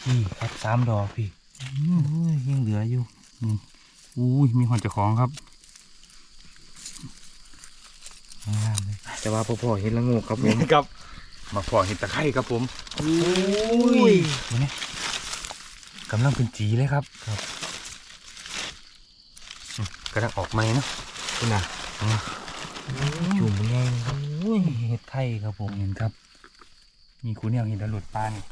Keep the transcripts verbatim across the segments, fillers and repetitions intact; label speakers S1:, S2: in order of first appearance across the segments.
S1: นี่ครับสามดอกพี่อุ้ยยังเหลืออยู่นี่อุ้ยมีหอนเจ้าของครับงามเลยแต่ว่าพ่อเห็นละงูครับผม
S2: ครับมาพอเห็ดตะไคร่ครับผม
S1: อุ้ยนี่กำลังเป็นจีเลยครับครับ
S2: กระดังออกไหมเนาะ
S1: คุณน่ะจุ่มง่ายครับอุ้ยเห็ดไข่ครับผม
S2: เห็นครับมีคุณเนี่ยเห็นแล้วหลุดปลานี่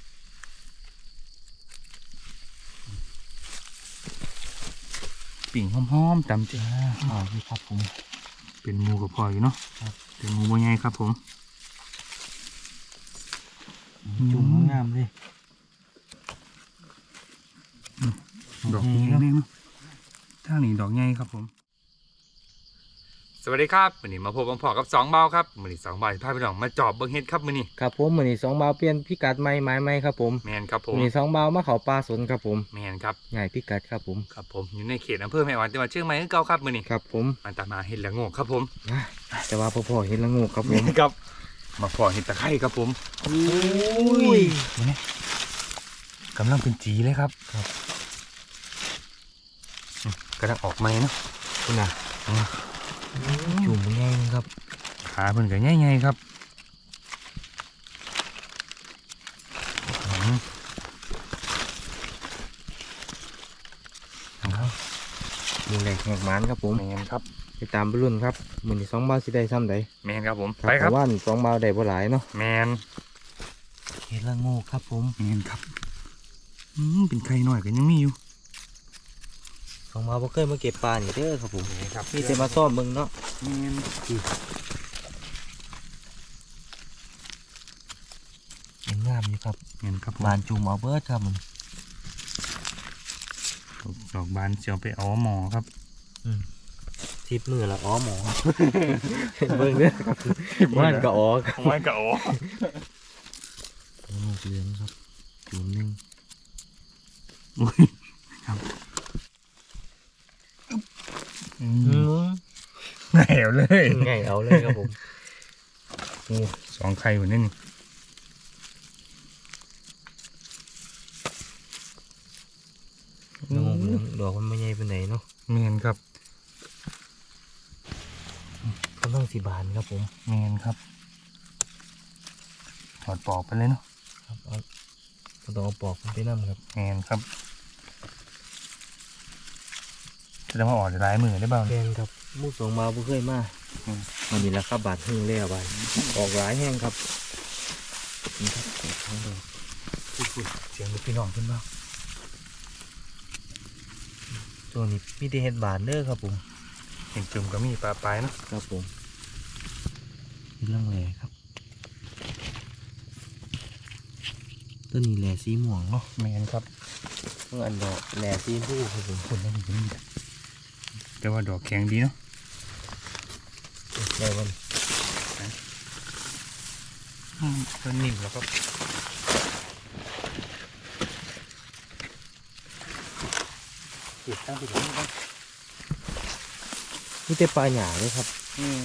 S2: ปิ่งหอมๆจำจ้า
S1: อ๋อพี่ครับผม
S2: เป็นงูกับพออยู่เนาะเป็นงูบ่ใหญ่ครับผม
S1: จุ่มงามเลย
S2: ดอกใหญ่แน่เนาะท่านี้ดอกใหญ่ครับผมสวัสดีครับวันนี้มาพบกับพ่อกับสองเบาครับวันนี้สองเบาพาพี่น้องมาจอบเบิ้งเห็ดครับวันนี้
S1: ครับผมวันนี้สองเบาเปลี่ยนพิกัดใหม่ไม้ใหม่ครับผม
S2: แมนครับผม
S1: วันนี้สองเบามาเขาปลาสนครับผม
S2: แมนครับ
S1: ใหญ่พิกัดครับผม
S2: ครับผมอยู่ในเขตอำเภอแม่ออนจังหวัดเชียงใหม่คือเก่าครับวันนี้
S1: ครับผม
S2: มันตามมาเห็ดละโงกครับผม
S1: แต่ว่าพ่อเห็นละงูครับผม
S2: ครับมาพอเห็ดตะไคร่ครับผม
S1: อุ้ยนี่กำลังเป็นจีเลยครับครับ
S2: กระดังออกไหมเนาะ
S1: คุณน่ะจุ่มง่ายครับ
S2: ขาเพิ่นก็ง่ายๆครับ
S1: มีแหลกแหกมันครับผม
S2: แมนครับ
S1: ไปตามไปรุ่นครับมือนี่สองบาทสิได้ซ้ำใด
S2: แมนครับผมไปครับ
S1: ว่านสองบาทได้บ่หลายเนาะ
S2: แมน
S1: เห็ดละงูครับผม
S2: แมนครับอืมเป็นไข่หน่อยก็ยังมีอยู่
S1: สองบาทบ่เคยมาเก็บปลานี่เด้อครับผม
S2: ครับ
S1: มีแต่มาซ่อมมึงเนาะ
S2: แมน
S1: ยังงามอยู่ครับ
S2: แมนครับ
S1: บานจุ่มเอาเบิร์ดครับมัน
S2: ดอกบานเสียวไปเอาหมอครับ
S1: ทิพมือละอ๋อหมอเบิ่งเด้อมันก็อ๋อ
S2: มันก็อ๋อ
S1: ลูกเหลืองครับจุ่มนึง
S2: อุ้ยครับไงเอาเลย
S1: ไงเอาเลยครับผม
S2: โอ้สองไข่อยู่นี่
S1: น้องเหลืองดอกมันไม่ใหญ่เป็นไหนเนาะ
S2: เมียนครับ
S1: ก็ต้องสีบานครับผม
S2: เมียนครับถอดปอกไปเลยเนาะ
S1: ครับเอาต้องเอาปอกไปนั่งครับ
S2: เมียนครับจะมาออกลายมือได้บ้าง
S1: เมียนครับมูสองมาบุเคยมามันนี่แหละครับบาดหึ่งเลี้ยบานออกหลายแห้งครับนี่ครับทั้งดอก
S2: เสียงพี่น้องขึ้นบ้าง
S1: ตัวนี้มีแต่เห็ดบานเด้อครับผม
S2: เห็นจุ่มก็มีปลาปลายเนาะ
S1: ครับผมเป็นเรื่องแหล่ครับต้นนี้แหล่สีม่วงเนาะ
S2: แมนครับ
S1: เมื่ออันดอกแหล่สีผู้ครับผม
S2: คนนั้นอยู่นี่แต่ว่าดอกแข็งดีเนาะ
S1: ได้วัน
S2: ต้นนิ่มแล้วก็ติดตั้งไปถึงนี่ครับ
S1: นี่แต่ปลาหยาเลยครับ
S2: อืม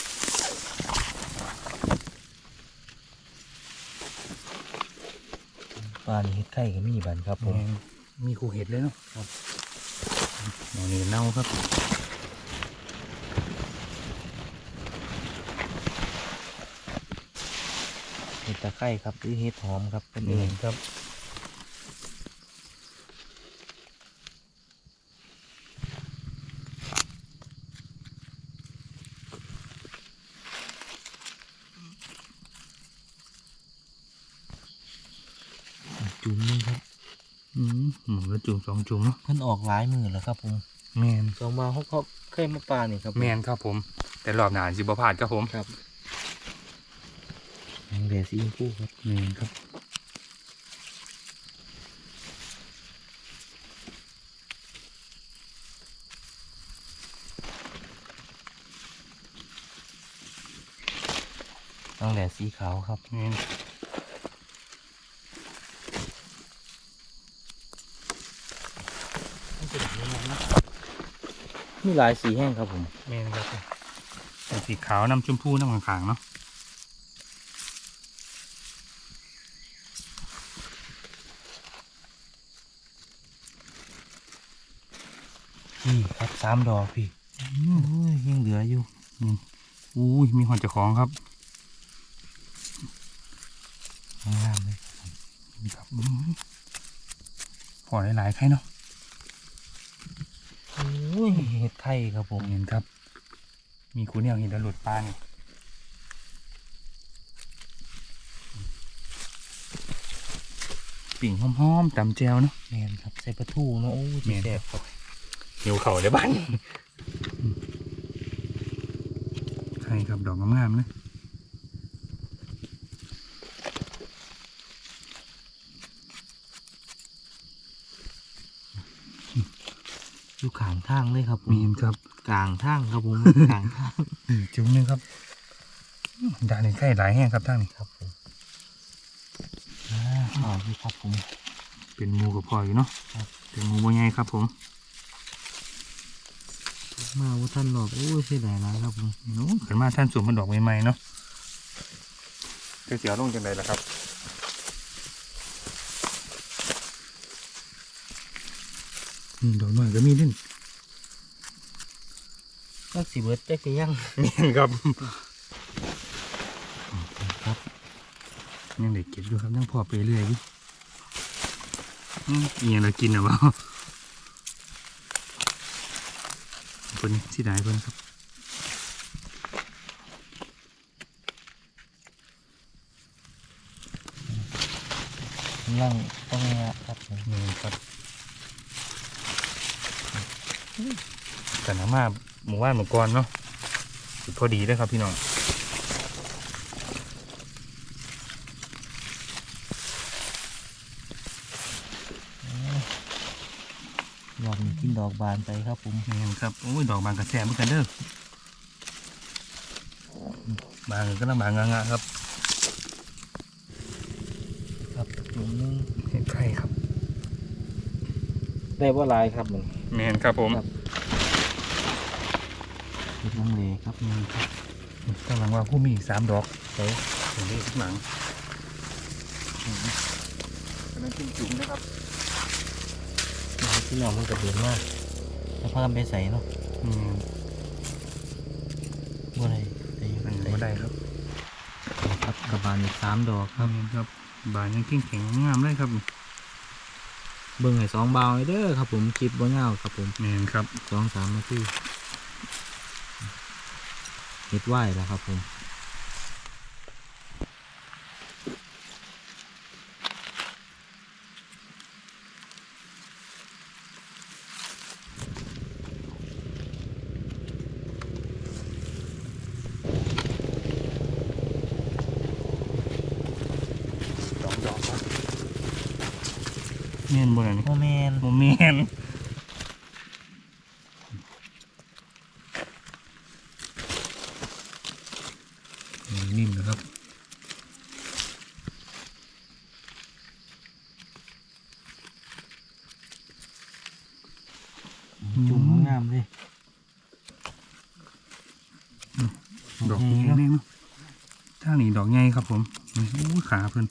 S1: ปลานี่เห็ดไข่ก็มีบันครับผม
S2: มีคู่เห็ดเลยเนาะครับดอกนี้เน่าครับ
S1: เห็ดตะไคร่ครับหรือเห็ดหอมครับเป็นเอ
S2: เอง งครับ
S1: จุ่มนึงครับ
S2: อืมหมูละจุ่มสองจุ่มเนาะ
S1: มันออกหลายมือแล้วครับผม
S2: แมน
S1: สองมาเขาเขาเคยมาปลาเนี่ยครับ
S2: แมนครับผมแต่รอบหนาสิบพลาดครับผม
S1: ครับเหลือสีชมพูครับ
S2: แมนครับ
S1: ต้องแหล่สีขาวครับ
S2: แมน
S1: มีหลายสีแห้งครับผม
S2: แมนครับสีขาวน้ำชมพูน้ำขางๆเนาะ
S1: พี่ครับสามดอกพี่โอ้ยยังเหลืออยู่
S2: อุ้ยมีหอนเจ้าของครับ
S1: งามเลย
S2: นี่ครับอืมพอหลายๆไข่เนาะ
S1: โอ้ยเห็ดไข่ครับผม
S2: เห็นครับ มีคูเนี่ยเห็นแล้วหลุดปลานี่ปิ่งหอมๆตำแจวเนาะ
S1: แมนครับใส่ปลาทูเนาะโอ้ย
S2: แม่น
S1: แซ่บครับ
S2: หิวเข่าเลยบ้านใช่ครับดอกงามๆเลย
S1: อยู่ข้างทางเลยครับผม
S2: มีนครับ
S1: กลางทางครับผม กลางทาง
S2: จุ่มหนึงครับด่านนี้ใกล้หลายแห้งครับท่านนี่
S1: ครับผมอ่าเอาพี่ครับผม
S2: เป็นหมูกับพออยู่เนาะ
S1: ครับ
S2: เป็นหมูบ่ใหญ่ครับผม
S1: มาว่าท่านหลอกโอ้ยเสียดายหลายครับผม
S2: โอ้ขึ้นมาท่านสวมมันดอกใหม่ๆเนาะจะเสียลงจังไดล่ะครับอืมดอกน้อยก็มีดิ้น
S1: ก็สิเบิร์ดแจ๊กยัง
S2: เมียนครับ
S1: ครับ
S2: ยังเด็กเก็บอยู่ครับยังพอไปเรื่อยอยู่อืมอีหยังเรากินอ่ะบ่เพิ่นสิได้เพิ่นครับ
S1: ยังต้องเนี้ยครับผม
S2: นี่ครับกันน้ำมาหมู่บ้านหมู่กรเนาะสุดพอดีเลยครับพี่น้อง
S1: รอบนี้กินดอกบานไปครับผม
S2: นี่ครับโอ้ยดอกบางกระแสเหมือนกันเด้อ บางก็ต้องบางงะๆครับ
S1: ครับหนึ่งนึง
S2: เห็ดไข่ครับ
S1: ได้ว่าลายครับมัน
S2: แมนครับผม
S1: ครับ เห็ดลังเลครับ
S2: นี่ครับกำลังว่าผู้มีอีกสามดอก
S1: ใส่
S2: เห็นได้ข้างหลังกำลังกินจุ๋มนะครับ
S1: ที่น้องมันกระเด็นมากแล้วพากันไปใส่เนาะ
S2: อืม
S1: ว่าอะไรได้
S2: อันนี้ก็ได้ครับ
S1: ครับกระบาลอีกสามดอกครับ
S2: นี่ครับบานยังแข็งๆงามเลยครับ
S1: เบิ่งให้สองบาวให้เด้อครับผมคลิปบ่ยาวครับผม
S2: แมนครับ
S1: สองสามนาทีเห็ดไหวแล้วครับผม
S2: สองดอกครับแมนบนอันนี้
S1: โมเมน
S2: โมแมนนิ่มนะครับ
S1: จุ่มงามเลย
S2: ดอกใหญ่แน่เนาะทางนี้ดอกใหญ่ครับผมโอ้ยขาเพิ่น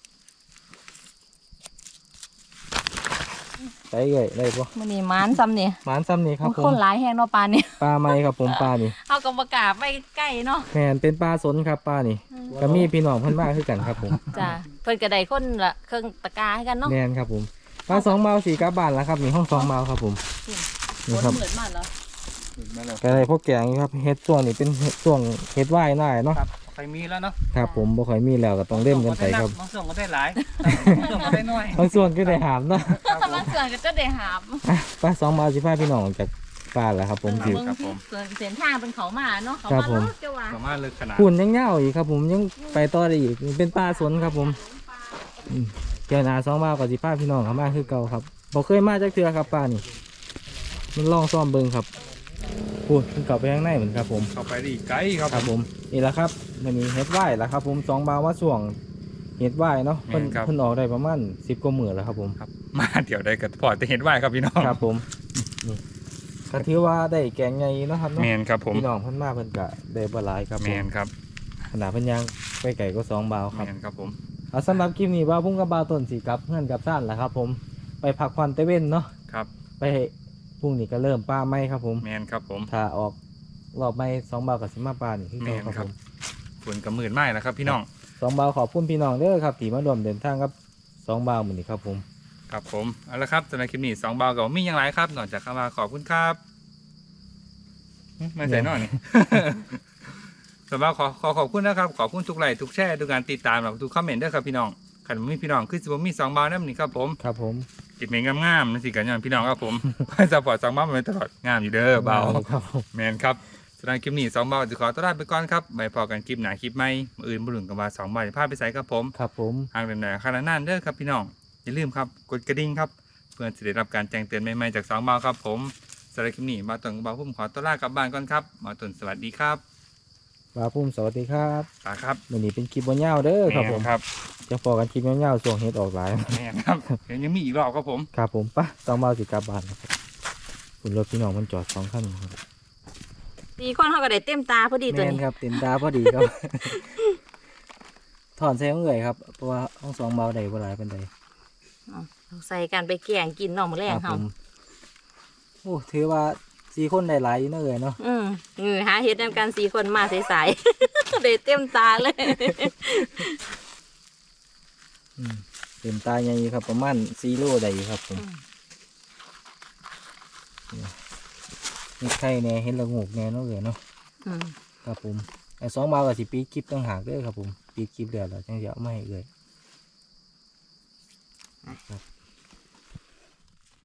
S1: ไปเลยได้ปะ
S3: มันนี่มันซ้ำเนี่ย
S1: หมานซ้ำนี่ครับ
S3: มัน
S1: ผ
S3: ค
S1: ม
S3: นหลายแห้งเนาะปลาเนี่ย
S1: ปลาไม้ครับผมปลานี่
S3: เอากระบอกกาไปใกล้เนาะ
S1: แมนเป็นปลาสนครับปลานี่ก็มีพี่น้องเพิ่นมาคือกันครับผม
S3: จ้ะเพิ่นกระไดคนละเครื่องตะกร้าให้กันเนาะ
S1: แมนครับผมปลาสองเมาสี่กลับบ้านแล้วครับนี่ห้องสองเมาครับผม
S3: ฝ
S1: นี่
S3: น
S1: ครับ
S3: เหมือนมากเหรอ
S1: ก็ได้พวกแกงนี่ครับเฮ็ดช่วงนี้เป็นเฮ็ดช่วงเฮ็ดไหว้หน่ายเนาะ
S2: ครับใครมีแล้วเนาะ
S1: ครับผมบ่ค่อยมีแล้วก็ต้องเล่มกันไปครับ
S2: บางส่วนก็ได้หลายบางส่วนก็ได้น้อย
S1: บางส่วนก็ได้หามเนาะ
S3: บางส่วนก็จะได้หาม
S1: อ่ะปลาสองเมาสิพาพี่น้องออกจากป่าแล้วครับผมสิ
S3: เบิ่งที่ส่วนเส้นทางเป็นเขามาเนาะเขา
S1: ครับ
S3: มา
S1: ผม
S3: เนาะจะว่า
S2: สามารถเลยขนาด
S1: หุ่นยังเงาอีกครับผมยังไปต่อได้อีกเป็นปลาสนครับผมอืมเจ้าหนาสองเมากับสิพาพี่น้องเข้ามาคือเก่าครับบ่เคยมาจากเทือครับปลานี่มันลองซ่อมเบิ่งครับพูดมันกลับไปข้างในเหมือนครับผม
S2: เข้าไปได้อีกไกลครับ
S1: ครับผมนี่แหละครับมันมีเฮ็ดไหวแล้วครับผมสองบาวมาส่วงเฮ็ดไหวเนาะเพิ่นเพิ่นออกได้ประมาณสิบกว่าหมื่นแล้วครับผม
S2: ครับมาเดี๋ยวได้กับพอจะเห็นว่าครับพี่น้อง
S1: ครับผมนี่ก็ถือว่าได้แกงใหญ่เนาะครับเนาะ
S2: แมนครับผม
S1: พี่น้องเพิ่นมาเพิ่นก็ได้บ่หลายครับ
S2: แม
S1: ผม
S2: นครับ
S1: ขนาดเพิ่นยังไปไก่ก็สองบาวค
S2: แม
S1: รับ
S2: นครับผม
S1: เอาสำหรับคลิปนี้ว่าพุ่งกับบาวต้นสีกับเพื่อนกับซ่านแหละครับผมไปพักผ่อนเตเว่นเนาะ
S2: ครับ
S1: ไปพรุ่งนี้ก็เริ่มป้าไหมครับผม
S2: แมนครับผม
S1: ถ้าออกรอบไม่สองเบากับสิมาปลานี่คือ
S2: แม
S1: เก่าน ครับ
S2: ครั
S1: ผ
S2: บ
S1: ม
S2: ฝนกับหมื่นไม้แล้วครับพี่น้อง
S1: สองเบาขอบคุณพี่น้องเด้อครับที่มาร่วมเดินทางกับสองเบาเหมือนนี้ครับผม
S2: ครับผมเอาละครับสำหรับคลิปนี้สองเบากับมีอย่างไรครับนอกจากคำว่าขอบคุณครับหึไม่ใส่นอนนี่ สำหรับขอขอขอบคุณนะครับขอบคุณทุกไลค์ทุกแชร์ทุกการติดตามแล้วก็ทุกคอมเมนต์ด้วยครับพี่น้องขันบ่มีพี่น้องคือสิบ่มีสองเบานั่นนี่ครับผม
S1: ครับผม
S2: จิตเมงงามๆนั่นสิกันอย่างพี่น้องครับผม ให้สปอร์ตสองเบามาตลอดงามอยู่เด้อเบา
S1: ครับผม
S2: แมนครับสำหรับคลิปนี้สองเบาจะขอตัวลาไปก่อนครับไว้พอกันคลิปหน้าคลิปใหม่มื้ออื่นบุรุษกับว่าสองเบาจะพาไปใส่ครับผม
S1: ครับผม
S2: หากเดินไหนขนาดนั้นเด้อครับพี่น้องอย่าลืมครับกดกระดิ่งครับเพื่อจะได้รับการแจ้งเตือนใหม่ๆจากสองเบาครับผมสำหรับคลิปนี้มาตุนกับเบาพุ่มขอตัวลากลับบ้านก่อนครับมาตุนสวัสดีครับ
S1: ปลาพุ่มสวัสดีครับ
S2: ตาครับ
S1: วันนี้เป็นคลิปบนยาวเด้อครับผม
S2: แม่นครับ
S1: จะพอกันคลิปยาวๆส่วงเฮ็ดออกหลาย
S2: แม่นครับเดี๋ยวยังมีอีกรอบครับผม
S1: ครับผมปะสองเบาสิกลับบ้านนะครับคุณรถพี่น้องมันจอดสองคันครับ
S3: ตีคนเขาก็ได้เต็มตาพอดีตัว
S1: แม่น
S3: นี้
S1: ครับเต็มตาพอดีครับ ถอนใส่ของเอื่อยครับเพราะว่าห้องสองเบาใดบ่หลายเป็นใด
S3: เอาใส่กันไปแกงกินเนอกมาแร
S1: ค
S3: ง
S1: รับผ
S3: เฮาม
S1: โอ้ถือว่าสี่คนได้หลายอยู่เนาะเอ่ยเนาะ
S3: อืมเออหาเฮ็ดนำกันสี่คนมาใสๆ ได้เต็มตาเลย
S1: อืมเต็มตาใหญ่อยู่ครับประมาณสี่โลได้อยู่ครับผมนี่ไข่แหน่เห็นละงูกแหน่เนาะเอ่ยเนาะ
S3: อืม
S1: ครับผมไอ้สองเบากับสิปีดคลิปต้องหากเด้อครับผมปีดคลิปเดียวเราจังจะเอามาให้เอ่ยครับ